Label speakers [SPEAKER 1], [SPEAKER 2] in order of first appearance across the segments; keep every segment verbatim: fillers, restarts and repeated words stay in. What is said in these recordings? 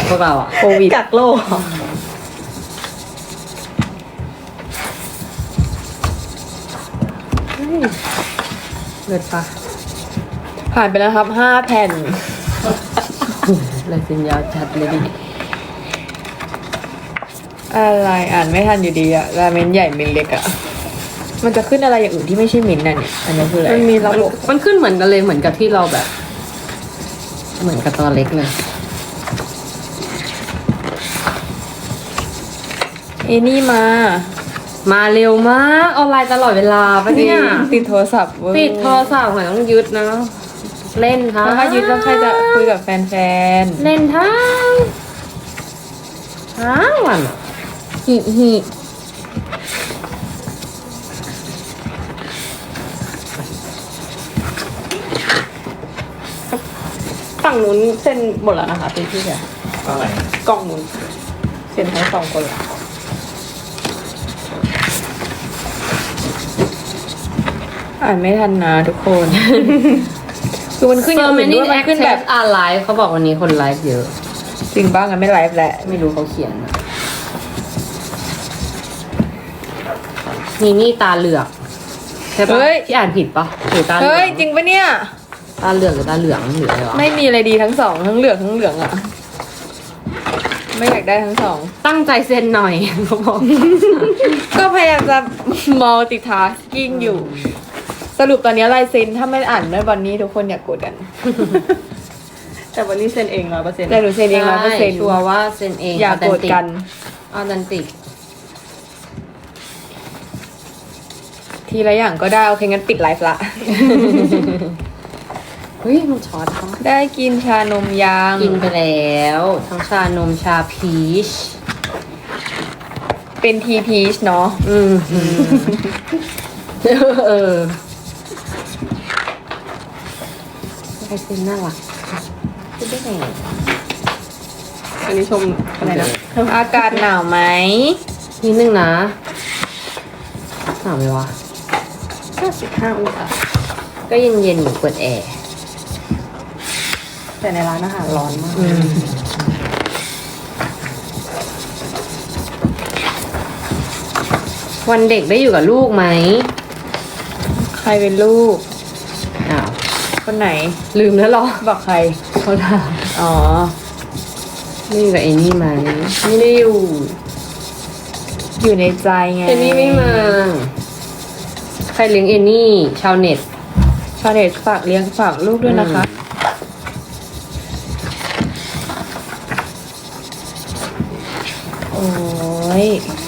[SPEAKER 1] พวกเราอะ
[SPEAKER 2] โควิด
[SPEAKER 3] กักโลก
[SPEAKER 1] เลิศปะ
[SPEAKER 2] ผ่านไปแล้วครับห้าแผ่น
[SPEAKER 1] ลายเซ็นยาวจัดเลยดิ
[SPEAKER 2] อะไรอ่านไม่ทันอยู่ดีอะราเมนใหญ่เมนเล็กอะมันจะขึ้นอะไรอย่างอื่นที่ไม่ใช่มินท์น่ะเนี่ยอันนี้คืออะไร
[SPEAKER 1] มันมีระบบมันขึ้นเหมือนกันเลยเหมือนกับที่เราแบบ เหมือนกับตอนเล็กเลย
[SPEAKER 2] เอนี่มา
[SPEAKER 1] มาเร็วมากออนไลน์ตลอดเวลาปะเนี่ย
[SPEAKER 2] ติดโทรศัพท์เว้ย
[SPEAKER 1] ติดโทรศัพท์หมายต้องยึดนะ เล่นทั้ง
[SPEAKER 2] แล้วถ้ายึดแล้วใครจะคุยกับแฟน
[SPEAKER 1] เล่นทั้งทั้งวันอะ
[SPEAKER 2] ๆฮิฮิ
[SPEAKER 3] ฝั่งนู้นเซ็นหมดแล้วนะคะพี่พี่เนี่ย
[SPEAKER 4] อะไร
[SPEAKER 3] กล่องนู้นเซ็นทั้งสองคนแล้ว
[SPEAKER 2] อ่านไม่ทันนะทุกคน คือมันขึ้นอย่างอื่นด้วยมันขึ้นแบบ
[SPEAKER 1] อ่าไลฟ์เขาบอกวันนี้คนไลฟ์เยอะ
[SPEAKER 2] จริงบ้างอะไม่ไลฟ์แหละ
[SPEAKER 1] ไม่รู้เขาเขียนอะมีนี่ตาเหลือกใช่ปะ
[SPEAKER 2] เฮ้ย
[SPEAKER 1] ที่อ่านผิดปะหรือตาเหลื
[SPEAKER 2] เฮ้
[SPEAKER 1] อย ง
[SPEAKER 2] จริงปะเนี่ย
[SPEAKER 1] ตาเหลือกหรือตาเหลืองหรืออะไรวะ
[SPEAKER 2] ไม่มีอะไรดีทั้งสองทั้งเหลืองทั้งเหลืองอะไม่อยากได้ทั้งสอง
[SPEAKER 1] ตั้งใจเซ็นหน่อย เขาบอก
[SPEAKER 2] ก็พยายามจะ multitasking อยู่ สรุปตอนนี้ลายเซ็นถ้าไม่อ่านด้วยวันนี้ทุกคนอย่ากกดกัน
[SPEAKER 3] แต่วันนี้เซ็นเองร้อยเปอร์เซ็นต์
[SPEAKER 2] แต่หนูเซ็นเองร้อยเปอร์เซ็นต์
[SPEAKER 1] ชัวร์ว่าเซ็นเอง
[SPEAKER 2] อย่ากดกัน
[SPEAKER 1] ออเทนติก
[SPEAKER 2] ทีละอย่างก็ได้ โอเคงั้นปิดไลฟ์ละ
[SPEAKER 1] เฮ้ยมันช็อตเขา
[SPEAKER 2] ได้กินชานมยาง
[SPEAKER 1] กินไปแล้วทั้งชานมชาพีช
[SPEAKER 2] เป็นทีพีชเนาะ
[SPEAKER 1] อืมเออใครเซ็นน่ารักพูดได้ไง
[SPEAKER 3] อันนี้ชมอะไรนะ
[SPEAKER 2] อากาศหนาวไหม
[SPEAKER 1] นิดนึงนะหนาวไหมวะ
[SPEAKER 3] ห้าสิบห้าองศา
[SPEAKER 1] ก็เย็นเย็นๆอยู่เปิดแอร์
[SPEAKER 3] แต่ในร้านอาหารร้อนมาก
[SPEAKER 1] วันเด็กได้อยู่กับลูกไหม
[SPEAKER 2] ใครเป็นลูก
[SPEAKER 1] อ้าว
[SPEAKER 2] คนไหน
[SPEAKER 1] ลืมแล้วเหรอ
[SPEAKER 2] บอกใคร
[SPEAKER 1] เขาถาม
[SPEAKER 2] อ๋อ
[SPEAKER 1] ไม่อยู่กับไอ้นี่ไหมไม่ได้อยู่
[SPEAKER 2] อยู่ในใจไง
[SPEAKER 1] เอนี่ไม่มา ใครเลี้ยงเอนี่ ชาวเน็ต
[SPEAKER 2] ชาวเน็ตฝากเลี้ยงฝากลูกด้วยนะคะ โอ้ย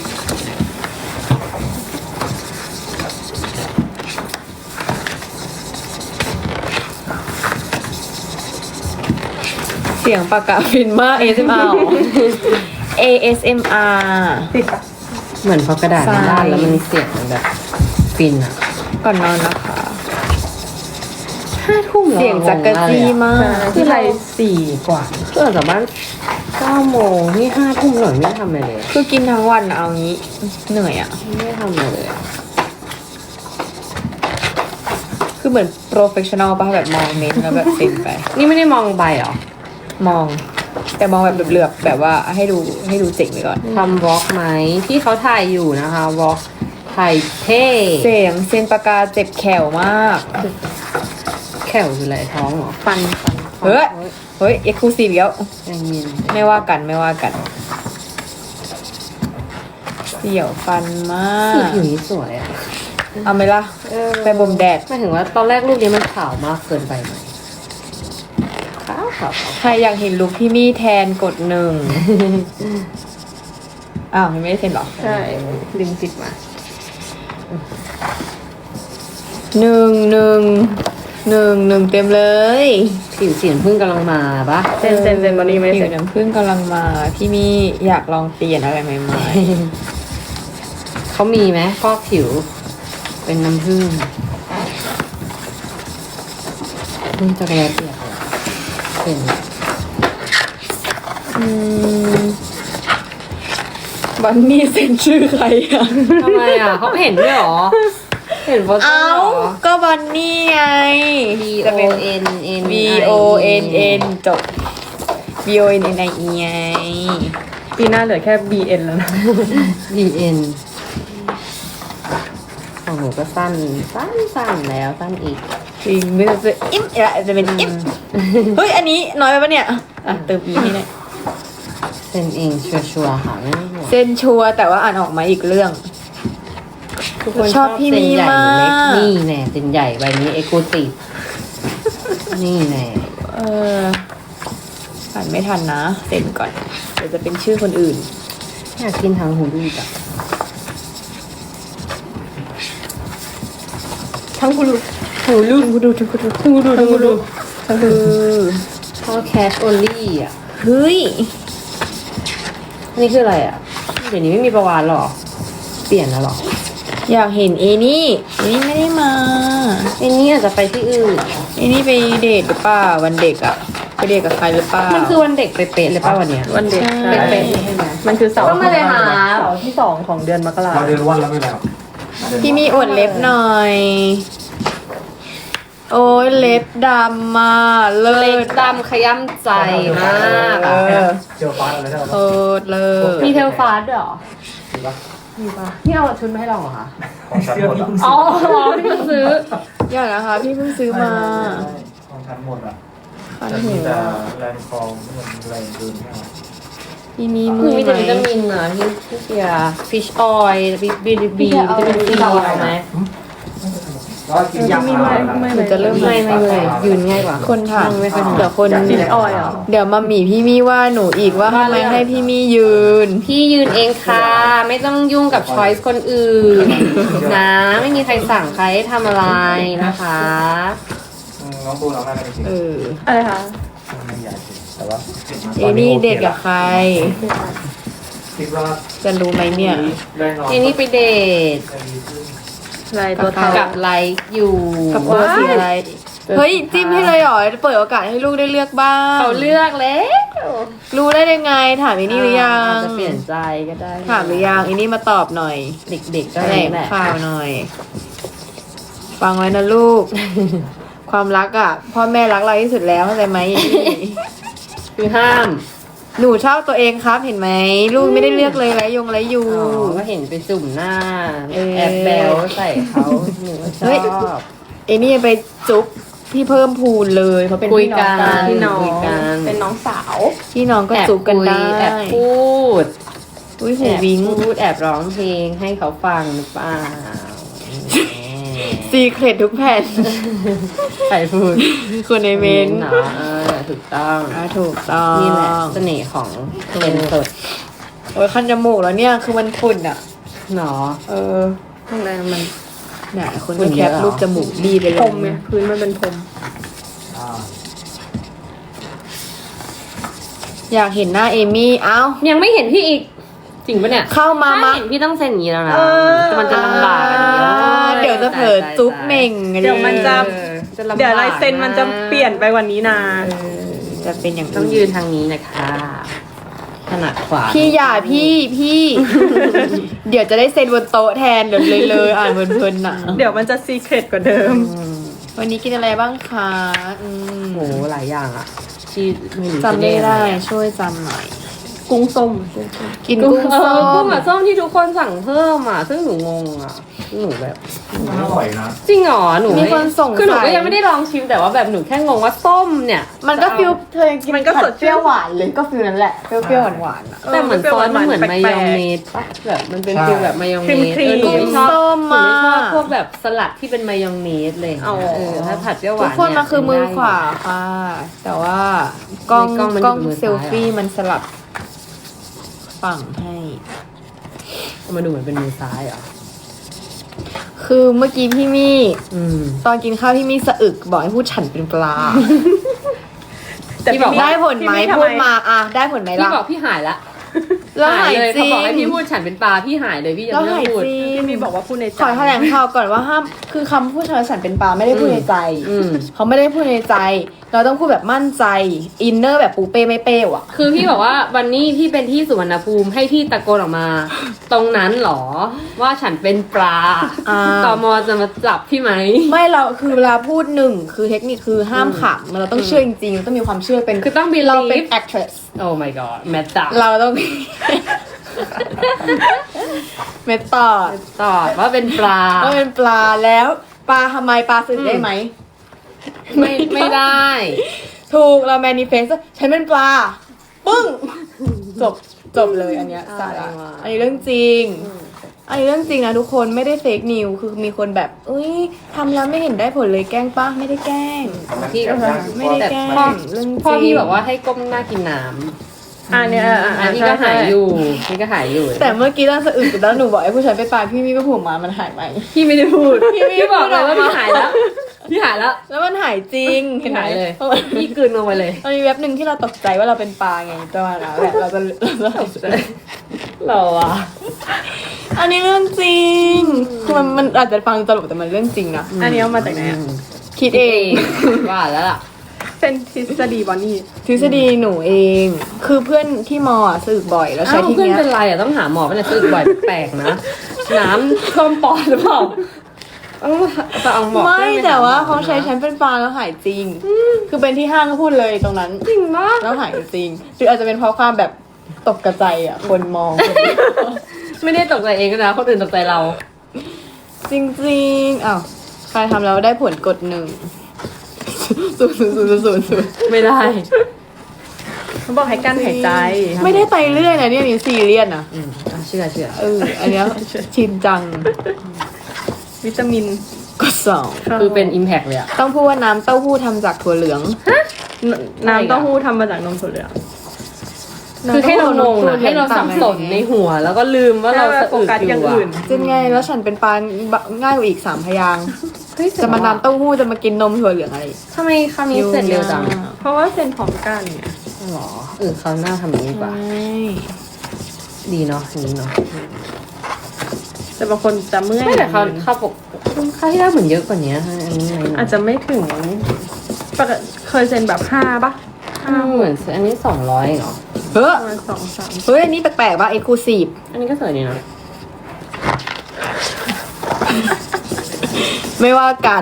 [SPEAKER 2] เสียงปากกาฟินมาก เอ เอส เอ็ม อาร์ เอ เอส เอ็ม อาร์
[SPEAKER 3] ติดปะ
[SPEAKER 1] เหมือนพอกระดาษมันด้านแล้วมันเสียงมันแบบฟินอะ
[SPEAKER 2] ก่อนนอนนะคะ
[SPEAKER 1] ห้าทุ่มแล้ว
[SPEAKER 2] เสียงจักรจี้มาก
[SPEAKER 1] คือไรสี่กว่าเพื่อจากบ้านเก้าโมงนี่ห้าทุ่มหน่อยไม่ได้ทำอะไรเลย
[SPEAKER 2] คือกินทั้งวันอะเอางี้ เหนื่อยอะ
[SPEAKER 1] ไม่ได้ทำอะไรเลยอะ
[SPEAKER 2] คือเหมือนโปรเฟชชั่นอลป่ะแบบมองเมนแล้วแบบเซ็นไป
[SPEAKER 1] นี่ไม่ได้มองใบเหรอ
[SPEAKER 2] มอง แต่มองแบบเหลือบๆแบบว่าให้ดูให้ดูเจ๋งไปก่อน
[SPEAKER 1] ทำวอล์กไหมที่เขาถ่ายอยู่นะคะวอล์กถ่ายเท่
[SPEAKER 2] เสียงเซ็นปากกาเจ็บแขวมาก
[SPEAKER 1] แขวคืออะไรท้องเหรอ
[SPEAKER 2] ฟันฟันเฮ้ย เฮ้ย เอ็กซ์คลูซีฟแล้ว
[SPEAKER 1] ใจเย็น
[SPEAKER 2] ไม่ว่ากันไม่ว่ากัน เสียวฟันมา
[SPEAKER 1] สี
[SPEAKER 2] ก
[SPEAKER 1] ผิวนี้สวยอะ
[SPEAKER 2] เอาไหมล่ะ
[SPEAKER 1] เออ
[SPEAKER 2] ไปบ่มแดด
[SPEAKER 1] หมายถึงว่าตอนแรกรูปนี้มันขาวมากเกินไปไหมขาวขาวขาว
[SPEAKER 2] ใครอยากเห็นลุคพี่มี่แทนกดหนึ่ง อ้าวยังไม่ได้เซ็นเหรอ
[SPEAKER 3] ใช่ดึงติดมา
[SPEAKER 2] หนึ่งหนึ่งหนึ่งหนึ่งเต็มเลย
[SPEAKER 1] ผิวสีน้ำผึ้งกำลังมาปะ
[SPEAKER 3] เซ็นเซ็นเซ็นวันนี้ไม่
[SPEAKER 2] ผิ
[SPEAKER 3] เซ็
[SPEAKER 2] วน น้ำผึ้งกำลังมา พี่มี่อยากลองเปลี่ยนอะไรใหม่
[SPEAKER 1] เขามีไหมฟอกผิว เป็นน้ำผึ้งนี่จักรยานเปียกเลยเป็น
[SPEAKER 2] ๆอืมบันนี่เซ็นชื่อใครอ่ะ
[SPEAKER 1] ทำไมอ่ะเขาเห็นด้วยเหรอ เห็นโปสเตอ
[SPEAKER 2] เอ้า
[SPEAKER 1] ร์เหรอ
[SPEAKER 2] ก็บันนี่ไง
[SPEAKER 1] B
[SPEAKER 2] จะ
[SPEAKER 1] O
[SPEAKER 2] เป็น
[SPEAKER 1] N N
[SPEAKER 2] V O N N จบ B O N N I E ไง
[SPEAKER 3] ปีหน้าเหลือแค่ B N แล้วนะ
[SPEAKER 1] B N ของหนูก็สั้นสั้นสั้นแล้วสั้นอีก
[SPEAKER 2] จริงไม่ต้องจะอิ่มอะจะเป็นอิ่มเฮ้ย อันนี้น้อยไปปะเนี่ย อ่ะเติมอีให้หน่อย
[SPEAKER 1] เซ็นเองชัวร์ๆค่ะไม่ต้องห่วง
[SPEAKER 2] เส้นชัวร์แต่ว่าอ่านออกมาอีกเรื่อง
[SPEAKER 1] ทุกคน
[SPEAKER 2] ชอบพี่
[SPEAKER 1] เซ็นใหญ่
[SPEAKER 2] มี
[SPEAKER 1] หรือเล็ก
[SPEAKER 2] มาก
[SPEAKER 1] นี่แน่เซ็นใหญ่ใบนี้เอ็กซ์คลูซีฟนี่แน่
[SPEAKER 2] เอออ่านไม่ทันนะเซ็นก่อน เดี๋ยวจะเป็นชื่อคนอื่น
[SPEAKER 1] อยากกินทางหูดูจ้ะ
[SPEAKER 3] ทั้งคุณ
[SPEAKER 1] หูลูหูดูหูดูหูดูหูดู
[SPEAKER 2] คือ
[SPEAKER 1] เพราะแคชโอลี่อ่ะ
[SPEAKER 2] เฮ้ย
[SPEAKER 1] นี่คืออะไรอ่ะ เดี๋ยวนี้ไม่มีประวานหรอ เปลี่ยนแล้วหรอ
[SPEAKER 2] อยากเห็นเอนี่เอนี่ไม่ได้มา
[SPEAKER 1] ไอ้นี่อาจจะไปที่อื่น
[SPEAKER 2] เอนี่ไปเดทหรือเปล่าวันเด็กอะไปเดทกับใครหรือเปล่า
[SPEAKER 1] มันคือวันเด็กเป๊ะๆเลยป่ะวันเนี้ย
[SPEAKER 3] วันเด็ก
[SPEAKER 2] ใช่
[SPEAKER 3] เป็นๆใช่ไหมมันคือเสาร์
[SPEAKER 1] ก็มาเลยค่ะ
[SPEAKER 3] เสาร์ที่สองของเดือนมกรา
[SPEAKER 4] เราเดินวันแล้วไม่แล้ว
[SPEAKER 2] พี่มีอวดเล็บหน่อย โอ้ยเล็บดำมาเลิ
[SPEAKER 1] เล็ก
[SPEAKER 2] ศ
[SPEAKER 1] ดำขย้ำใจมาก
[SPEAKER 2] เอ
[SPEAKER 1] อะ
[SPEAKER 2] อ
[SPEAKER 4] เจอฟ้าอะไรได้
[SPEAKER 2] เออเลิศ
[SPEAKER 1] มีเทลฟาสด้วยเหรอ
[SPEAKER 4] ถือว่า
[SPEAKER 1] มีป่ะนี่เอาชุดมาให้เราเหรอคะ
[SPEAKER 4] ของฉันหมดอ่ะ
[SPEAKER 1] อ๋อพี่เพิ่งซื้อ
[SPEAKER 2] อย่านะคะ พี่เพิ่งซื้อมา
[SPEAKER 4] ของฉันหมดอ่ะ
[SPEAKER 2] คัน
[SPEAKER 4] แต่
[SPEAKER 2] หู
[SPEAKER 4] มีแต่แรงคลองเหมือนแรงเดินไม่เอา
[SPEAKER 2] พี่มี
[SPEAKER 1] ห
[SPEAKER 2] มื
[SPEAKER 1] นู
[SPEAKER 2] อ
[SPEAKER 1] มี
[SPEAKER 2] ไห
[SPEAKER 1] แต่วิตา
[SPEAKER 2] ม
[SPEAKER 1] มินอะที่ที่เชียร์ฟิชออยล์บีบีบีบีวิตามินซีเอาไหม
[SPEAKER 4] แล้วกินยา
[SPEAKER 3] มี
[SPEAKER 4] มา
[SPEAKER 3] ไม่ไม่
[SPEAKER 2] หนูจะเริ่ม
[SPEAKER 1] ไม่ไม่เลยยืนง่ายกว่า
[SPEAKER 2] คนถาม
[SPEAKER 1] นั่งไม่ค่อยถนัด
[SPEAKER 2] เดี๋ยวคน
[SPEAKER 3] ฟิชออยล์เหรอ
[SPEAKER 2] เดี๋ยวมาหมีพี่มีว่าหนูอีกว่าทำไมให้พี่มียืน
[SPEAKER 1] พี่ยืนเองค่ะ ไม่ต้องยุ่งกับช้อยส์คนอื่น นะ ไม่มีใครสั่งใครให้ทำอะไรนะคะ
[SPEAKER 4] น้องปูน้องแม่กันจริง
[SPEAKER 2] เออ
[SPEAKER 3] อะไรคะ
[SPEAKER 4] ไม่ใหญ่จริงแต่ว่า
[SPEAKER 2] เอนี่เดทกับใคร
[SPEAKER 4] คิดว่า
[SPEAKER 2] จะรู้ไหมเนี่ย
[SPEAKER 4] แรงนอน
[SPEAKER 1] เอนี่ไปเดท
[SPEAKER 4] จะดีขึ้น
[SPEAKER 3] ลายตัวเทา
[SPEAKER 1] กับไลค์อยู่
[SPEAKER 2] กับตัวสีอะไร เฮ้ย จิ้มให้เลยเหรอเปิดโอกาสให้ลูกได้เลือกบ้าง
[SPEAKER 1] เขาเลือกแล้ว
[SPEAKER 2] รู้ได้ยังไง ถามอีนี่หรือยัง
[SPEAKER 1] อาจจะเปลี่ยนใจก็ได้
[SPEAKER 2] ถามหรือยังอีนี่มาตอบหน่อย
[SPEAKER 1] เด็กๆก็
[SPEAKER 2] แถล
[SPEAKER 1] ได้
[SPEAKER 2] ง
[SPEAKER 1] แหละ
[SPEAKER 2] ข่าวหน่อย ฟังไว้นะลูก ความรักอ่ะ พ่อแม่รักเราที่สุดแล้วเข้าใจไหมอีนี่
[SPEAKER 1] คือห้าม
[SPEAKER 2] หนูชอบตัวเองครับเห็นไหมลูกไม่ได้เลือกเลยไรยงไรยู
[SPEAKER 1] อ๋อก็เห็นไปจุ่มหน้า
[SPEAKER 2] เออ
[SPEAKER 1] แอบแบลใส่เขาหนูก็ช
[SPEAKER 2] เฮ้ย
[SPEAKER 1] อบ
[SPEAKER 2] เอนี่ไปจุ๊บพี่เพิ่มพูนเลยเขาเป็น
[SPEAKER 1] คุย
[SPEAKER 2] พี่น้อง
[SPEAKER 1] กั
[SPEAKER 2] กัน น
[SPEAKER 3] พี่น้อง
[SPEAKER 1] คุยกัน
[SPEAKER 3] เป็นน้องสาว
[SPEAKER 2] พี่น้องก็
[SPEAKER 1] แอบ
[SPEAKER 2] จุ๊บกัน
[SPEAKER 1] คุย
[SPEAKER 2] ได้
[SPEAKER 1] แอบพูด
[SPEAKER 2] อุ้ย
[SPEAKER 1] แอ
[SPEAKER 2] หู
[SPEAKER 1] บ
[SPEAKER 2] วิง
[SPEAKER 1] พูดแอบร้องเพลงให้เขาฟังหรือเปล่า
[SPEAKER 2] ซีเครตทุกแผ่น
[SPEAKER 1] ใครพูด
[SPEAKER 2] คนในเมนต์
[SPEAKER 1] เนาะเออถูกต้อง
[SPEAKER 2] อ่าถูกต้อง
[SPEAKER 1] นี่แหละเสน่ห์ของเป็นสด
[SPEAKER 2] โอ้ยคันจมูกแล้วเนี่ยคือมันฝุ่นอ่ะ
[SPEAKER 1] เนาะ
[SPEAKER 2] เออ
[SPEAKER 1] ข้างในมัน
[SPEAKER 2] เนี่ยคน
[SPEAKER 1] ฝุ่
[SPEAKER 2] ก็
[SPEAKER 1] น
[SPEAKER 2] แค
[SPEAKER 1] เยอะ
[SPEAKER 2] ป
[SPEAKER 1] เหรอ
[SPEAKER 2] รูปจมูกดีไปเล
[SPEAKER 3] พร
[SPEAKER 2] ย
[SPEAKER 3] มไงพื้นมันเป็นพรม
[SPEAKER 4] อ่า
[SPEAKER 2] อยากเห็นหน้าเอมี่เอ้า
[SPEAKER 1] ยังไม่เห็นพี่อีก จริงปะเนี่ย
[SPEAKER 2] เข้ามา
[SPEAKER 1] ถ้า
[SPEAKER 2] มา
[SPEAKER 1] เห็นพี่ต้องเซ็นอย่างนี้แล้วนะ
[SPEAKER 3] เออ
[SPEAKER 1] แต่มันจะลำบากอันนี้
[SPEAKER 2] อ่าเดี๋ยวจะเผลอจุ๊บเหม่ง
[SPEAKER 3] เดี๋ยวมันจะ
[SPEAKER 1] เออจะลำบาก
[SPEAKER 3] เดี๋ยวลายเซ็นมันจะเปลี่ยนไปวันนี้นา
[SPEAKER 2] เออจะเป็นอย่าง
[SPEAKER 1] ต้องยืนทางนี้นะคะถนัดขวา
[SPEAKER 2] พี่อย่าพี่พี่ เดี๋ยวจะได้เซ็นบนโต๊ะแทนเดี๋ยวเลยเลยอ่านเพลินๆน่ะ
[SPEAKER 3] เดี๋ยวมันจะซีเครตกว่าเดิม
[SPEAKER 1] อืม
[SPEAKER 2] วันนี้กินอะไรบ้างคะอืม
[SPEAKER 1] โหหลายอย่างอ่ะที่ไม่รู้
[SPEAKER 2] จำไม่ได้
[SPEAKER 1] จะเรียกอะร
[SPEAKER 2] ช่วยจำหน่อย
[SPEAKER 3] กุ้งส้ม
[SPEAKER 2] กิน
[SPEAKER 1] กุ้
[SPEAKER 2] กุ้
[SPEAKER 1] ง
[SPEAKER 2] ง
[SPEAKER 1] เอ
[SPEAKER 2] ส้
[SPEAKER 1] อกุ้ง
[SPEAKER 2] ม
[SPEAKER 1] กับส้มที่ทุกคนสั่งเพิ่มอ่ะ ซึ่งหนูงงอ่ะหนูแบบ
[SPEAKER 4] มันอร่อยนะ
[SPEAKER 1] จริงเหรอหนู
[SPEAKER 2] มีคนส่ง
[SPEAKER 1] คือหนูก็
[SPEAKER 2] สาย
[SPEAKER 1] ยังไม่ได้ลองชิมแต่ว่าแบบหนูแค่งงว่าส้มเนี่ย
[SPEAKER 2] มันก็ฟิลเธอยังกิน
[SPEAKER 3] มันก็
[SPEAKER 2] ผั
[SPEAKER 3] ส
[SPEAKER 2] ด
[SPEAKER 3] ด
[SPEAKER 2] เป
[SPEAKER 3] ชื่น
[SPEAKER 2] รี้ยวหวานเลยก็ฟิลนั้นแหละเปรี้ยวๆหวานๆอ่ะ
[SPEAKER 1] แต่เหมือนซอสมันเหมือน
[SPEAKER 3] แปลกๆ
[SPEAKER 1] มายองเนสปะแบบมันเป็นฟิลแบบมายองเนส
[SPEAKER 3] ครีมๆ
[SPEAKER 1] เออหนูไม่ชอบ
[SPEAKER 2] ส้ม
[SPEAKER 1] หนูไม่ชอบ
[SPEAKER 2] อะ
[SPEAKER 1] พวกแบบสลัดที่เป็นมายองเนสเลย
[SPEAKER 3] อ๋อ
[SPEAKER 1] เออถ้าผัดเปรี้ยวห
[SPEAKER 2] ทุ
[SPEAKER 1] วาก น
[SPEAKER 2] คน
[SPEAKER 1] เย
[SPEAKER 2] มาคือมือขวา
[SPEAKER 1] ได้
[SPEAKER 2] ค่ะ แต่ว่ากล้อง
[SPEAKER 1] ในกล้องมัน
[SPEAKER 2] กล้อง
[SPEAKER 1] อยู่มือ
[SPEAKER 2] เซลฟี่
[SPEAKER 1] ซ้ายอะ
[SPEAKER 2] มันสลับฝั่งให้
[SPEAKER 1] อยู่มาดูเหมือนเป็นมือซ้ายเหรอ
[SPEAKER 2] คือเมื่อกี้พี่มี่
[SPEAKER 1] อืม
[SPEAKER 2] ตอนกินข้าวพี่มี่สะอึกบอกให้พูดฉันเป็นปลา
[SPEAKER 3] แต่
[SPEAKER 1] ที่บอกว่า
[SPEAKER 2] ได้ผลไหม
[SPEAKER 3] พี่ทำ
[SPEAKER 2] พูดมาอ่ะได้ผลไหม
[SPEAKER 1] พี่
[SPEAKER 2] ล่ะ
[SPEAKER 1] บอกพี่หายละ
[SPEAKER 2] แล้วหาย
[SPEAKER 1] เลย
[SPEAKER 2] จริ
[SPEAKER 1] เขา
[SPEAKER 2] ง
[SPEAKER 1] บอกให้พี่พูดฉันเป็นปลาพี่หายเลยพี่ยัง
[SPEAKER 2] แล้ว
[SPEAKER 1] ไม่ต้อ
[SPEAKER 2] หาย
[SPEAKER 1] งพูด
[SPEAKER 2] จริง
[SPEAKER 3] พี่มีบอกว่าพูดในใจ
[SPEAKER 2] ขอแถลงข่าวก่อนว่าห้ามคือคำพูดชาวสันเป็นปลาไม่ได้พูดในใจ
[SPEAKER 1] อืม
[SPEAKER 2] เขาไม่ได้พูดในใจ เราต้องพูดแบบมั่นใจอินเนอร์แบบปูเป้ไม่เป้อะ
[SPEAKER 1] คือพี่บอกว่าวันนี้พี่เป็นที่สุวรรณภูมิให้พี่ตะโกนออกมา ตรงนั้นเหรอว่าฉันเป็นปลา
[SPEAKER 2] อ่า
[SPEAKER 1] ตมจะมาจับพี่ไหม
[SPEAKER 2] ไม่เราคือเวลาพูดหนึ่งคือเทคนิคคือห้ามขำเราต้องเชื่อจริงๆเราต้องมีความเชื่อเป็น
[SPEAKER 1] คือต้อง believe
[SPEAKER 2] เราเป็น actress
[SPEAKER 1] โอ้ my god แมตตา
[SPEAKER 2] เราต้อง เมตตอด
[SPEAKER 1] ตอบว่าเป็นปลา
[SPEAKER 2] ก็เป็นปลาแล้วปลาทำไมปลาสื่อได้ไหม
[SPEAKER 1] ไม่ไม่ได้
[SPEAKER 2] ถูกเรา manifest ฉันเป็นปลา ปึ้ง จบจบเลยอันเนี้ยสาระอันนี้เรื่องจริง อันนี้เรื่องจริงนะทุกคนไม่ได้เฟกนิวคือมีคนแบบเอ้ยทำแล้วไม่เห็นได้ผลเลยแกล้งป้าไม่ได้แกล้ง
[SPEAKER 1] พี่ก็
[SPEAKER 2] ไม่ได้แกล้ง
[SPEAKER 1] พ่อ
[SPEAKER 2] เรื่องจริง
[SPEAKER 1] พ่อพี่บอกว่าให้ก้มหน้ากินน้
[SPEAKER 3] อ่าเนี่ย
[SPEAKER 1] ำ
[SPEAKER 3] อ่า
[SPEAKER 1] อั
[SPEAKER 3] อ่าน
[SPEAKER 1] นี้
[SPEAKER 3] ใช่
[SPEAKER 1] ก็หาย
[SPEAKER 3] ใช่
[SPEAKER 1] อยู่นี่ก็หายอยู่
[SPEAKER 2] แต่เมื่อกี้ตอนสะอึกแล้วหนูบอกไอ้ผู้ชายไปปลาพี่มี่ก็ผูกมามันหายไหม
[SPEAKER 1] พี่ไม่ได้พูด
[SPEAKER 2] พี่ไม่ได้
[SPEAKER 1] พี่บอกเลย
[SPEAKER 2] พูดออกมา
[SPEAKER 1] ว่าพี่หายแล้วพี่หายแล้ว
[SPEAKER 2] แล้วมันหายจริงเห็นไหม
[SPEAKER 1] หายเลย
[SPEAKER 2] พราะว่า
[SPEAKER 1] พี่กลืนลงไปเลย
[SPEAKER 2] มันมีเว็บหนึ่งที่เราตกใจว่าเราเป็นปลาไงประมาณนั้นแหละเราจะเราจะ
[SPEAKER 1] เราอะ
[SPEAKER 2] อันนี้เรื่องจริงคือมันมันอาจจะฟังตลกแต่มันเรื่องจริงนะ
[SPEAKER 3] อันนี้เอามาจากไหนอ่ะ
[SPEAKER 2] คิดเอง
[SPEAKER 1] ว่าแล้วล่ะ
[SPEAKER 3] เป็นทฤษฎีบอนนี่
[SPEAKER 2] ทฤษฎีหนูเอง คือเพื่อนที่มออ่ะสึกบ่อยแล้วใช้
[SPEAKER 1] อ้าว
[SPEAKER 2] ที่
[SPEAKER 1] เพื่อน
[SPEAKER 2] เนี้ย
[SPEAKER 1] เป็นไรอะต้องหาหมอเป็นอะไรสึกบ่อยแปลกๆนะ น้ำท่วมปอดหรือเปล่าต้องไปเอาหมอ
[SPEAKER 2] ไม่
[SPEAKER 1] เพื่อนป
[SPEAKER 2] แต่
[SPEAKER 1] ห
[SPEAKER 2] ว่า
[SPEAKER 1] หมอ
[SPEAKER 2] เขาใช้
[SPEAKER 1] นะ
[SPEAKER 2] ฉันเป็นปลาแล้วหายจริง คือเป็นที่ห้างก็พูดเลยตรงนั้น
[SPEAKER 1] จริงปะ
[SPEAKER 2] แล้วหายจริง หรืออาจจะเป็นเพราะความแบบตกกระใจอ่ะ คนมอง
[SPEAKER 1] ไม่ได้ตกใจเองนะคนอื่นตกใจเรา
[SPEAKER 2] จริงๆอ้าวใครทำแล้วได้ผลกดหนึ่งศูนย์ศูนย์ศูนย์ศูนย์ศูนย์
[SPEAKER 1] ไม่ได้
[SPEAKER 3] เขาบอกให้กั้นหายใจ
[SPEAKER 2] ไม่ได้ไปเรื่อยนะเนี่ยนี่ซีเรียสนะ
[SPEAKER 1] อืมอ่ะเชื่อเชื่อ
[SPEAKER 2] เออ อันเนี้ยชินจัง
[SPEAKER 3] วิตามิน
[SPEAKER 2] กดสอง
[SPEAKER 1] คือเป็น impact เลยอะ
[SPEAKER 2] ต้องพูดว่าน้ำเต้าหู้ทำจากถั่วเหลือง
[SPEAKER 3] น้ำเต้าหู้ทำมาจากนมถั่วเหลือง
[SPEAKER 1] คือให้เรางงนะให้เราสับสนในหัว แล้วก็ลืมว่าเรา
[SPEAKER 3] ให้
[SPEAKER 1] สะ
[SPEAKER 3] โฟ
[SPEAKER 1] อึก
[SPEAKER 3] กัส
[SPEAKER 1] อ
[SPEAKER 3] อย่าง
[SPEAKER 1] ยู่
[SPEAKER 3] อื่น
[SPEAKER 1] อะ
[SPEAKER 2] จะไงแล้วฉันเป็นปลาง่ายกว่าอีกสามพยางค์
[SPEAKER 1] เฮ้ย
[SPEAKER 2] จะมาน้ำเต้าหู้จะมากินนมถั่วเหลืองอะไร
[SPEAKER 1] ทำไมคำนี้เสร็จเร็วจัง
[SPEAKER 3] เพราะว่าเซ็นพร้อมกันเนี่ย
[SPEAKER 1] หรอเออเขาวหน้าทำอย่างนี้ดีกว่า
[SPEAKER 2] ใช่
[SPEAKER 1] ดีเนาะอย่างนี้เนาะ
[SPEAKER 3] แต่บางคนจะเมื่อย
[SPEAKER 1] ไม่แต่เขาเขาปกค่าที่ได้เหมือนเยอะกว่านี้ฮะอันนี้ไง
[SPEAKER 3] อาจจะไม่ถึงปกติเคยเซ็นแบบห้าปะ
[SPEAKER 1] ห้าเหมือนอันนี้สองร้อยเหรอ
[SPEAKER 2] เฮ้ย
[SPEAKER 3] ประมาณสองสาม
[SPEAKER 2] เฮ้ยอันนี้แปลกๆป่ะเอ็กซ์คลูซีฟ
[SPEAKER 1] อันนี้ก็สวยดีนะ
[SPEAKER 2] ไม่ว่ากัน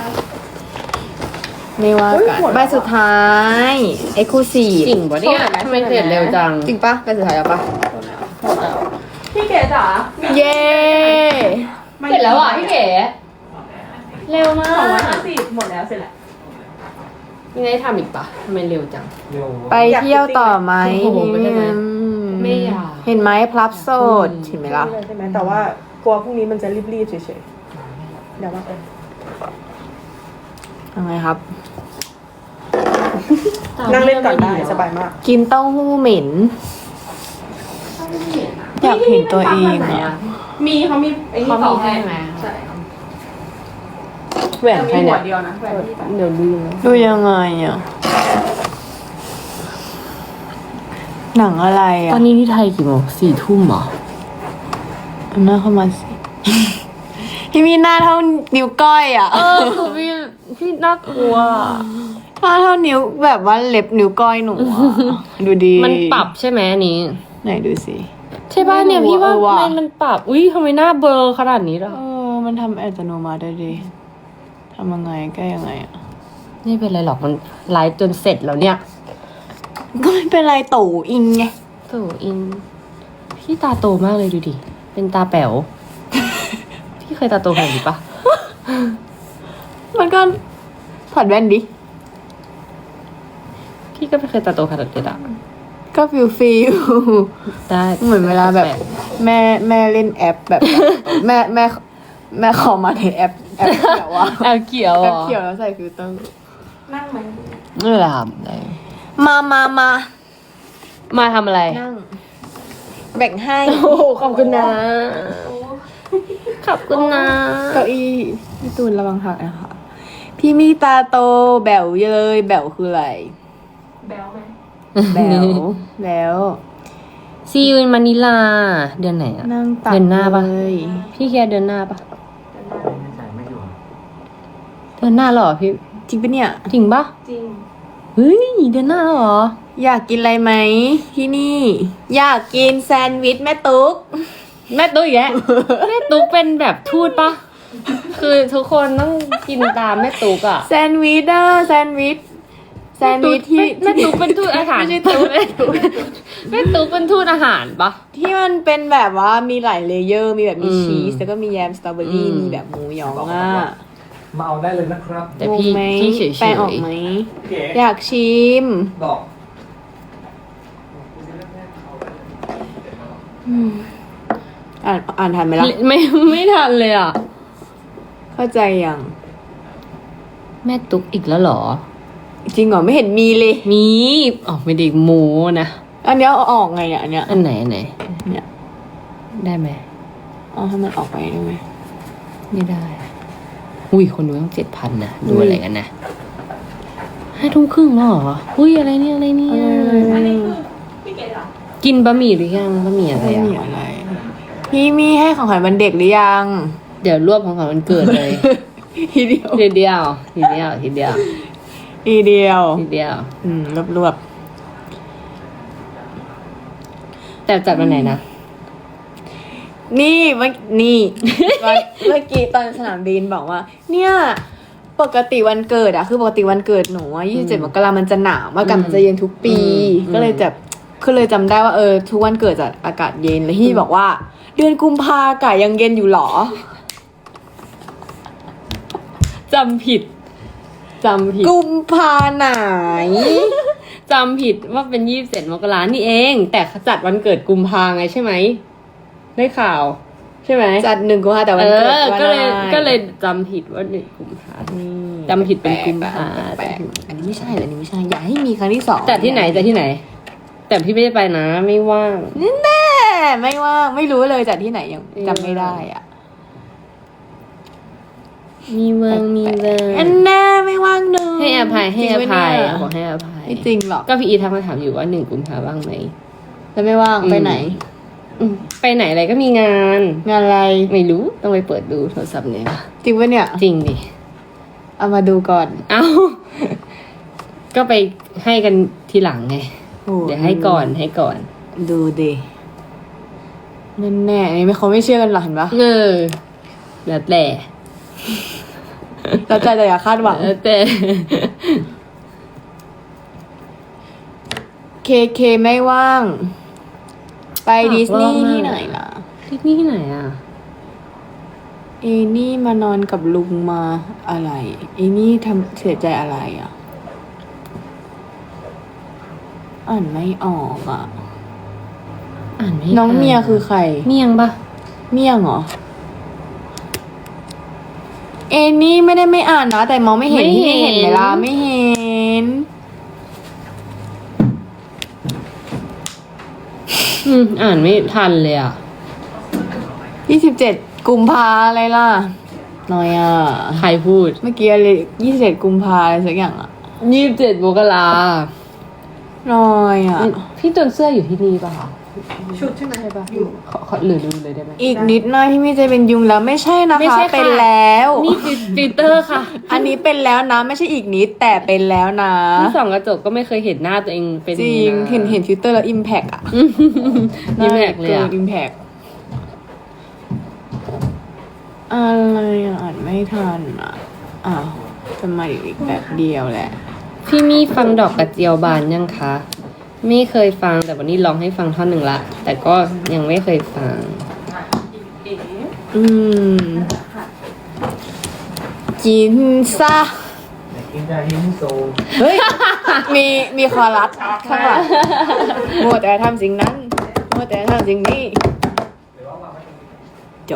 [SPEAKER 2] ไม่ว่ากันใบสุดท้ายเอ็กซ์คลูซีฟ
[SPEAKER 1] จริงปะเนี่ยทำไมเสร็จเร็วจัง
[SPEAKER 2] จริงปะใบสุดท้ายแล้วปะ
[SPEAKER 3] พี่เก๋จ๋า
[SPEAKER 2] เย้
[SPEAKER 1] เสร็จแล้วอ่ะพี่เก๋เร็วมา
[SPEAKER 3] สองร้อย
[SPEAKER 1] ก
[SPEAKER 3] ห้าสิบหมดแล้วเสร็จแล้ว
[SPEAKER 1] ยังไงทำอีกปะทำไมเร็วจัง
[SPEAKER 4] เร็ว
[SPEAKER 2] ไปเที่ยวต่อไหม
[SPEAKER 1] โอ้โหไม่ได้ไหม
[SPEAKER 2] อื
[SPEAKER 1] ไม่อยาก
[SPEAKER 2] เห็นไหมพลับโสดเห็นไหมล่ะ
[SPEAKER 3] ใช่ไหมแต่ว่ากลัวพรุ่งนี้มันจะรีบๆเฉยๆเดี๋ยวว่ากัน
[SPEAKER 2] ยังไงครับ
[SPEAKER 3] นั่งเล่นก่อนได้สบายมาก
[SPEAKER 2] กินเต้าหู้เหม็น อยากเห็นตัวเองอะ
[SPEAKER 3] มีเขามีไอ้นี่
[SPEAKER 1] เขามีให้ไหม
[SPEAKER 3] ใช่
[SPEAKER 1] แหวน
[SPEAKER 3] แต่
[SPEAKER 1] ใคร
[SPEAKER 3] มีหั
[SPEAKER 1] เนี่
[SPEAKER 3] วย เดียวนะแหวนที่
[SPEAKER 1] เดี๋ยวลืม
[SPEAKER 2] ดูยังไงอ่ะ หนังอะไร
[SPEAKER 1] ต
[SPEAKER 2] อ่ะ
[SPEAKER 1] อนนี้ที่ไทยกี่โมงสี่ทุ่มเหรอ
[SPEAKER 2] เอาหน้าเข้ามาสิ พี่มีหน้าเท่านิ้วก้อยอ่ะ
[SPEAKER 1] เออคือพี่พี่น่ากลัว
[SPEAKER 2] หน้าเท่านิ้วแบบว่าเล็บนิ้วก้อยหนูอะดูดี
[SPEAKER 1] มันปรับใช่ไหมอันนี้
[SPEAKER 2] ไหนดูสิ
[SPEAKER 1] ใช่ป่ะเนี่ยพี่ว่า
[SPEAKER 2] เออว่ะ
[SPEAKER 1] ทำไมมันปรับ อุ้ยทำไมหน้าเบลอขนาดนี้ล่ะ
[SPEAKER 2] เออ มันทำอัตโนมัติได้ดีทำยังไงแก้ยังไงอ่ะ
[SPEAKER 1] ไม่เป็นไรหรอกมันไลฟ์จนเสร็จแล้วเนี่ย
[SPEAKER 2] ก็ไม่เป็นไรตู่อิงไง
[SPEAKER 1] โถอิน พี่ตาโตมากเลยดูดิ เป็นตาแป๋ว พี่เคยตาโตขนาดนี้ปะ
[SPEAKER 2] มันก็ถอดแว่นดิ
[SPEAKER 1] พี่ก็ไม่เคยตาโตขนาดนี้อะ
[SPEAKER 2] ก็ฟิลฟิล
[SPEAKER 1] ได้
[SPEAKER 2] เหมือนเวลาแบบแม่แม่เล่นแอปแบบ แม่แม่แม่ขอมาในแอปแอปเขียวอะ
[SPEAKER 1] แอลเขียว
[SPEAKER 2] แอ
[SPEAKER 1] เหร
[SPEAKER 2] ป
[SPEAKER 1] อ
[SPEAKER 2] เขียวแล้วใส่ฟิลเตอร์
[SPEAKER 3] นั่งไหม
[SPEAKER 1] ไม่เป็นไรครับได้
[SPEAKER 2] มามามา
[SPEAKER 1] มาทำอะไร
[SPEAKER 2] นั่ง แบ่งให้
[SPEAKER 1] โอ้โหขอบคุณนะ ขอบคุณนะ
[SPEAKER 2] เก้าอี้พี่ตูนระวังหักนะคะ พี่มีตาโตแบ๋วเลยแบ๋วคืออะไร
[SPEAKER 3] แบลไหม
[SPEAKER 2] แบ๋วแล้ว
[SPEAKER 1] ซีอูนมานิลาเดือนไหนอะ
[SPEAKER 2] นั่งตัก
[SPEAKER 1] เดือนหน้าปะ
[SPEAKER 2] เลย
[SPEAKER 1] พี่เคียร์เดือนหน้าปะ
[SPEAKER 4] ไม่ใส่ไม่อยู่
[SPEAKER 1] เดือนหน้าเหรอพี่
[SPEAKER 2] จริงปะเนี่ย
[SPEAKER 1] จริงปะจริงเฮ้ยเดือนหน้าแล้วเหรอ
[SPEAKER 2] อยากกินอะไรไหมที่นี่ อยากกินแซนด์วิชแม่ตุ๊ก
[SPEAKER 1] แม่ตุ๊กอีกแล้ว แม่ตุ๊กเป็นแบบทูตปะคือทุกคนต้องกินตามแม่ตุ๊กอะ
[SPEAKER 2] แซนด์วิชอะแซนด์วิชแซนด์วิชที่
[SPEAKER 1] แม่ตุ๊กเป็นทูตอาหาร
[SPEAKER 2] ไม่ใช่ตุ๊ก
[SPEAKER 1] แม่ตุ๊กเป็นทูตอาหารปะ
[SPEAKER 2] ที่มันเป็นแบบว่ามีหลายเลเยอร์ มีแบบมี
[SPEAKER 1] อืม
[SPEAKER 2] ชีสแล้วก็มีแยมสตรอเบอรี่
[SPEAKER 1] อืม
[SPEAKER 2] มีแบบหมูหยองอ่ะ
[SPEAKER 4] มาเอาได้เลยนะครับ
[SPEAKER 1] แต่พี่
[SPEAKER 2] งงไหม
[SPEAKER 1] พี่เฉยๆ
[SPEAKER 2] แปลออกไหม
[SPEAKER 4] เก๋
[SPEAKER 2] อยากชิม
[SPEAKER 4] ดอก
[SPEAKER 2] อ่านอ่านทันไหมล่ะ
[SPEAKER 1] ไม่ไม่ทันเลยอ่ะ
[SPEAKER 2] เข้าใจยัง
[SPEAKER 1] แม่ตุ๊กอีกแล้วเหรอ
[SPEAKER 2] จริงเหรอไม่เห็นมีเลย
[SPEAKER 1] มีอ๋อไม่ได้โม้นะ
[SPEAKER 2] อันเนี้ยเอาออกไงเนี่ยอันเนี้ย
[SPEAKER 1] อันไหนอันไหน
[SPEAKER 2] เนี่ย
[SPEAKER 1] ได้ไหม
[SPEAKER 2] เอาให้มันออกไปได้ไหม
[SPEAKER 1] ไม่ได้ อุ้ยคนดูต้องเจ็ดพันนะดูอะไรกันนะห้าทุ่มครึ่งแล้วเหรออุ้ยอะไรเนี่ยอะไรเนี่ยกินบะหมี่หรือยังบะหมี่อะไร
[SPEAKER 2] ไม่
[SPEAKER 1] อ่ะ
[SPEAKER 2] มีอะไร พี่มีให้ของขวัญวันเด็กหรือยัง
[SPEAKER 1] เดี๋ยวรวบของขวัญวันเกิดเลย
[SPEAKER 2] ทีเดียว
[SPEAKER 1] ทีเดียวทีเดียวทีเดียว
[SPEAKER 2] ทีเดียว
[SPEAKER 1] ทีเดียว
[SPEAKER 2] อืมรวบรวบ
[SPEAKER 1] แต่จัดวันไหนนะ
[SPEAKER 2] ๆนี่เมื่อนี่ วันเมื่อกี้ตอนสนามบินบอกว่า เนี่ย ปกติวันเกิดอะคือปกติวันเกิดหนูอะยี่สิบเจ็ดมกรามันจะหนาวมากกันมันจะเย็นทุกปี
[SPEAKER 1] อืม
[SPEAKER 2] ก็เลยจะก็เลยจำได้ว่าเออทุกวันเกิดจะอากาศเย็นแล้วพี่บอกว่า เดือนกุมภาอากาศยังเย็นอยู่หรอ
[SPEAKER 1] จำผิดจำผิด
[SPEAKER 2] กุมภาไหน
[SPEAKER 1] จำผิดว่าเป็นยี่สิบเจ็ดมกรานี่เอง แต่จัดวันเกิดกุมภาไงใช่ไหมได้ข่าว ใช่ไหม
[SPEAKER 2] จัดหนึ่งกุมภาแต่วัน
[SPEAKER 1] เอ
[SPEAKER 2] เกิด
[SPEAKER 1] อ
[SPEAKER 2] วัน
[SPEAKER 1] ก็เลย
[SPEAKER 2] อะไร
[SPEAKER 1] ก็เลยจำผิดว่าหนึ่งกุมภา
[SPEAKER 2] นี่
[SPEAKER 1] จำผิดเป็นกุมภา
[SPEAKER 2] แปลกๆอันนี้ไม่ใช่เหรออันนี้ไม่ใช่อย่าให้มีครั้งที่สอง
[SPEAKER 1] จัดที่ไหนจัดที่ไหน แต่พี่ไม่ได้ไปนะไม่ว่าง
[SPEAKER 2] แน่ไม่ว่าไม่รู้เลยจัดที่ไหนยังจำไม่ได้อ่ะ
[SPEAKER 1] มีเวิงมีเวิง
[SPEAKER 2] อันแน่ไม่ว่างเลย
[SPEAKER 1] ให้อภัยให้อภัย
[SPEAKER 2] จริงปะเนี่ย
[SPEAKER 1] ขอให้อภัย
[SPEAKER 2] ไม่จริงหรอก
[SPEAKER 1] ก็พี่อีทักมาถามอยู่ว่าหนึ่งกุมภาว่างไหม
[SPEAKER 2] แล้วไม่ว่าง
[SPEAKER 1] อืม
[SPEAKER 2] ไปไหน
[SPEAKER 1] อืมไปไหนอะไรก็มีงาน
[SPEAKER 2] งานอะไร
[SPEAKER 1] ไม่รู้ต้องไปเปิดดูโทรศัพท์เนี่ย
[SPEAKER 2] จริงปะเนี่ย
[SPEAKER 1] จริงดิ
[SPEAKER 2] เอามาดูก่อน
[SPEAKER 1] เอ้า ก็ไปให้กันทีหลังไง
[SPEAKER 2] โอ้
[SPEAKER 1] เดี๋ยวให้ก่อนให้ก่อน
[SPEAKER 2] ดูดิแน่แน่ๆอันนี้ไม่เขาไม่เชื่อกันหรอกเห็นปะ
[SPEAKER 1] เออแล้วแต่
[SPEAKER 2] เราใจแต่อย่าคาดหวัง
[SPEAKER 1] แล้วแต่
[SPEAKER 2] เคเคไม่ว่าง ไปดิสนีย์ที่ไหนล่ะ
[SPEAKER 1] ที่นี่ที่ไหนอ่ะ
[SPEAKER 2] เอนี่มานอนกับลุงมาอะไรเอนี่ทำเสียใจอะไรอ่ะ อ่านไม่ออกอ่ะ
[SPEAKER 1] อ่านไม่
[SPEAKER 2] น้องเมียคือใคร
[SPEAKER 1] เมียงปะ
[SPEAKER 2] เมี่ยงเหรอ เอนี่ไม่ได้ไม่อ่านนะ แต่มองไม่เห็นที่ไม่เห็นเวลาไม่เห็น
[SPEAKER 1] อืมอ่านไม่ทันเลยอ่ะ
[SPEAKER 2] ยี่สิบเจ็ดกุมภาอะไรล่ะน้อยอ่ะ
[SPEAKER 1] ใครพูด
[SPEAKER 2] เมื่อกี้อะไรยี่สิบเจ็ดกุมภาอะไรสักอย่างอ่ะ
[SPEAKER 1] ยี่สิบเจ็ดมกรา
[SPEAKER 2] น้อยอ่ะ
[SPEAKER 1] พี่จนเสื้ออยู่ที่นี่ป่ะคะ
[SPEAKER 3] ชุดใช่ไหม
[SPEAKER 1] ใช่ป่ะขอขอหรือดูเลยได้ไหม
[SPEAKER 2] อีกนิดหน่อยที่มีจะเป็นยุงแล้วไม่ใช่นะ
[SPEAKER 1] ไม่
[SPEAKER 2] คะ
[SPEAKER 1] ใช่ค่ะ
[SPEAKER 2] เป็นแล้ว
[SPEAKER 1] นี่คือฟิลเตอร์ค่ะ
[SPEAKER 2] อันนี้เป็นแล้วนะ ไม่ใช่อีกนิดแต่เป็นแล้วนะ
[SPEAKER 1] ที่ส่องกระจกก็ไม่เคยเห็นหน้าตัวเองเป็น
[SPEAKER 2] จริงเห็นเห็นฟิลเตอร์แล้วอิมแพกอ่ะ
[SPEAKER 1] นี่แหลกเลยอ่ะ
[SPEAKER 2] อิมแพกอะไรอ่ะอ่านไม่ทันอ่ะอ้าวจะมาอีกแบบเดียวแหละ
[SPEAKER 1] พี่มี่ฟังดอกกระเจียวบานยังคะ ไม่เคยฟังแต่วันนี้ลองให้ฟังท่อนหนึ่งละ แต่ก็ยังไม่เคยฟัง
[SPEAKER 2] อืมกินซะ
[SPEAKER 4] อยากกินยาฮิมโซ
[SPEAKER 2] เฮ้ย มีมีคอรัสข้างหลังมัวแต่ทำสิ่งนั้นมัวแต่ทำสิ่งนี้ จบ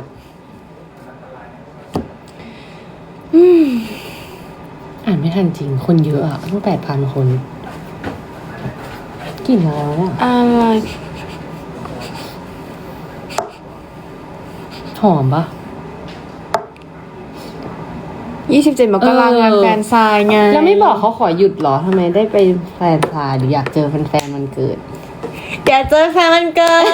[SPEAKER 1] อ่านไม่ทันจริง คนเยอะอะตั้งแปดพันคนกลิ่นอะไรวะเนี่ย
[SPEAKER 2] อะไร
[SPEAKER 1] หอมปะ
[SPEAKER 2] ยี่สิบเจ็ดมกราคมงานแฟนซายไง
[SPEAKER 1] แล้วไม่บอกเขาขอหยุดเหรอทำไมได้ไปแฟนพาหรืออยากเจอแฟนๆมันเกิด
[SPEAKER 2] อยากเจอแฟนมันเกิด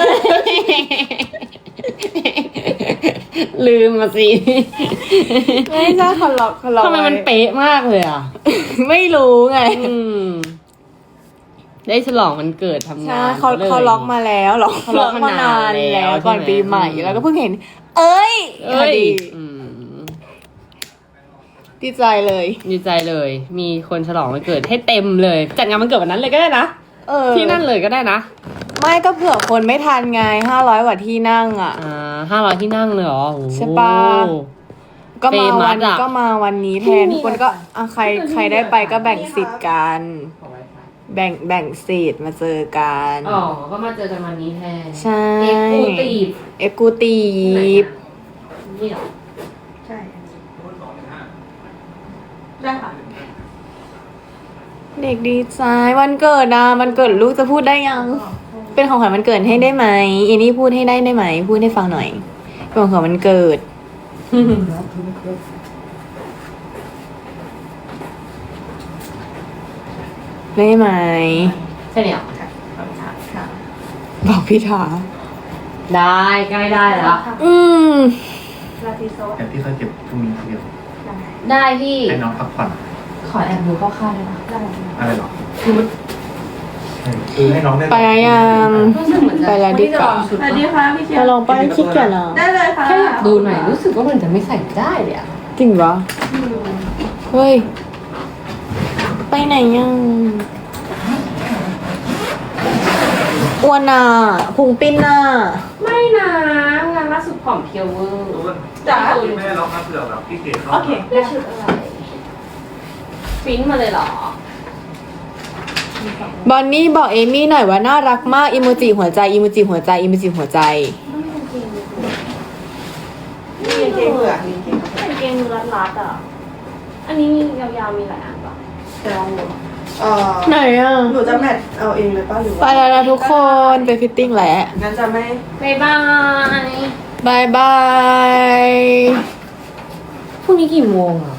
[SPEAKER 1] ลืมมาสิ
[SPEAKER 2] ไม่ใช่เขาล็อกเขาล็อก
[SPEAKER 1] ทำไมมันเป๊ะมากเลยอ่ะ
[SPEAKER 2] ไม่รู้ไง
[SPEAKER 1] อืม ได้ฉลองวันเกิดทำงา
[SPEAKER 2] ใช่
[SPEAKER 1] น
[SPEAKER 2] เขา
[SPEAKER 1] ลย
[SPEAKER 2] เขาล็อกมาแล้วล็อก
[SPEAKER 1] เขาล็อกมานานแล้ว
[SPEAKER 2] ก่อน
[SPEAKER 1] ใช่ไหม
[SPEAKER 2] ปีใหม่
[SPEAKER 1] อืม
[SPEAKER 2] แล้วก็เพิ่งเห็น เอ้ยพ
[SPEAKER 1] เอ้
[SPEAKER 2] อย ดี
[SPEAKER 1] อืม
[SPEAKER 2] ดีใจเลย
[SPEAKER 1] ดีใจเลย มีคนฉลองวันเกิดให้เต็มเลย จัดงานวันเกิดวันนั้นเลยก็ได้นะ
[SPEAKER 2] เออ
[SPEAKER 1] ที่นั่นเลยก็ได้นะ
[SPEAKER 2] ไม่ก็เผื่อคนไม่ทันไงห้าร้อยกว่าที่นั่งอ่ะ
[SPEAKER 1] อ่าห้าร้อยที่นั่งเลยเหรอโอ้โห
[SPEAKER 2] ใช่ปะ ก็มาวัน
[SPEAKER 1] เฟมัสอะ
[SPEAKER 2] ก็มาวันนี้แทนทุกคนก็อ่ะใครใครได้ไปก็แบ่งสิทธิ์กัน แบ่งแบ่งสิทธิ์มาเจอกัน
[SPEAKER 1] อ๋อ ก็มาเจอกันวันนี้แทน
[SPEAKER 2] ใช่
[SPEAKER 1] เอ็กซ์คลูตีฟ
[SPEAKER 2] เอ็กซ์กูตีฟ
[SPEAKER 1] นี่เหรอ
[SPEAKER 3] ใช่ได้ค่ะ
[SPEAKER 2] เด็กดีใจวันเกิดนะวันเกิดลูกจะพูดได้ยัง เป็นของขวัญวันเกิดให้ได้ไหมอีนี่พูดให้ได้ได้ไหม พูดให้ฟังหน่อยเป็นของขวัญวันเกิด ได้ไหม
[SPEAKER 1] ใช่เนี่ย
[SPEAKER 2] บอกพี่ถา
[SPEAKER 1] ได้ใกล้ได้แล้ว
[SPEAKER 2] อืม
[SPEAKER 3] ลาติโซ
[SPEAKER 4] แต่ที่เขาเก็บพรุ่งนี้คนเดียว
[SPEAKER 1] ได้พี่
[SPEAKER 4] ให้น้องพักผ่อน
[SPEAKER 1] ขอแอบดูคร่าวๆได้ไหม
[SPEAKER 4] อะไรหรอคือให้น้องได้
[SPEAKER 2] ไปยัง
[SPEAKER 1] รู้สึกเหมือนจะ
[SPEAKER 2] ไปแล้วดีกว่า
[SPEAKER 1] ชุด
[SPEAKER 3] สวัสดีค่ะพี่เคีย
[SPEAKER 2] จะ
[SPEAKER 3] ว
[SPEAKER 2] ลองไปคิดกันเหรอ
[SPEAKER 3] ได้เลยค่ะ
[SPEAKER 1] แค่อยากดูหน่อยรู้สึกว่ามันจะไม่ใส่ได้เลยอะ
[SPEAKER 2] จริงปะเฮ้ย ไปไหนยังอ้วนอ่ะพุงปิ้นอ่ะ
[SPEAKER 1] ไม่นะงานล่าสุดผอมเพรียวเวอร์
[SPEAKER 3] จ๋า
[SPEAKER 4] ไม่ได้ล็อกนะเผื่อแบบพี่เก๋เขา
[SPEAKER 3] โอเค
[SPEAKER 1] ได้ชุดอะไรฟินมาเลยเหรอ
[SPEAKER 2] บอนนี่บอกเอมี่หน่อยว่าน่ารักมากอิโมจิหัวใจอิโมจิหัวใจอิโมจิหัวใจ
[SPEAKER 3] มีเกงเหลือมีเกง
[SPEAKER 1] เป็นเกงรัดๆอ่ะ อันนี้มียาวๆมีหลายอันปะ
[SPEAKER 3] จะลองดูเอ่อ
[SPEAKER 2] ไหนอ่ะ
[SPEAKER 3] หนูจะแมทเอาเองเลยป่ะหรือ
[SPEAKER 2] ไป
[SPEAKER 3] ว่า
[SPEAKER 2] แล้วนะทุกคนไปฟิตติ้งแล้ว
[SPEAKER 3] งั้นจะไม่
[SPEAKER 1] บ๊ายบาย
[SPEAKER 2] บายบาย
[SPEAKER 1] พรุ่งนี้กี่โมงอ่ะ